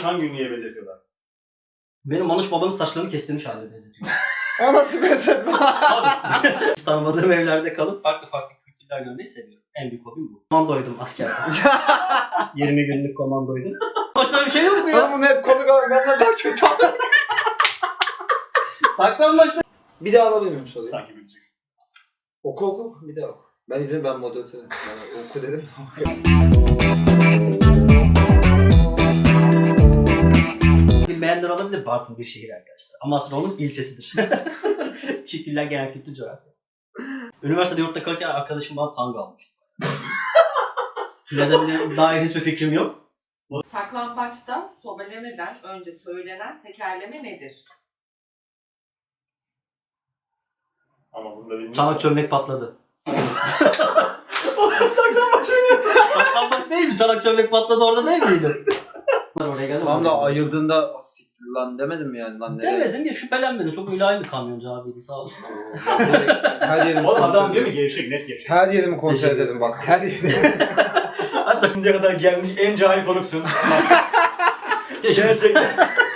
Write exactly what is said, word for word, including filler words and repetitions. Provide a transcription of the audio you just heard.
hangi ünlüye benzetiyorlar? Benim Manuş babanın saçlarını kestirmiş haline benzetiyor. O nasıl benzetme? Abi. Hiç tanımadığım evlerde kalıp farklı farklı kültürler görmeyi seviyorum. En büyük hobim bu. Komandoydum askerde. yirmi günlük komandoydum. Başka bir şey yok mu ya? Oğlum bunu hep konuk alalım. Benden daha kötü. Saklanmaçta. Bir daha alabilir miyim soruyu? Sanki bileceksin. Oku oku. Bir daha oku. Ben izin ben moderatörüm. Yani oku dedim. Bilmeyenler olabilir, Bartın bir şehir arkadaşlar. Amasra onun ilçesidir. Teşekkürler Genel Kültür Coğrafya. Üniversitede yurtta kalırken arkadaşım bana tanga almıştı. Nedenine dair hiçbir fikrim yok. Saklambaçta sobelemeden önce söylenen tekerleme nedir? Ama bunu da bilmiyorum. Çanak çömlek patladı. Oğlum saklanmaç oynuyor. Saklambaç değil mi? Çanak çömlek patladı orada değil miydi? Oraya geldim. Tam da ayıldığında siktir lan demedim mi yani lan nereye? Demedim ya, şüphelenmedim. Çok mülayim bir kamyoncu abiydi sağ olsun. Her yerimi Oğlum adam kontrol diyor mu edelim. gevşek, net gevşek. Her yerimi kontrol Teşekkür edelim bak. Her yerimi. Hatta Şimdiye kadar gelmiş en cahil konuksun. teşekkür Gerçekten.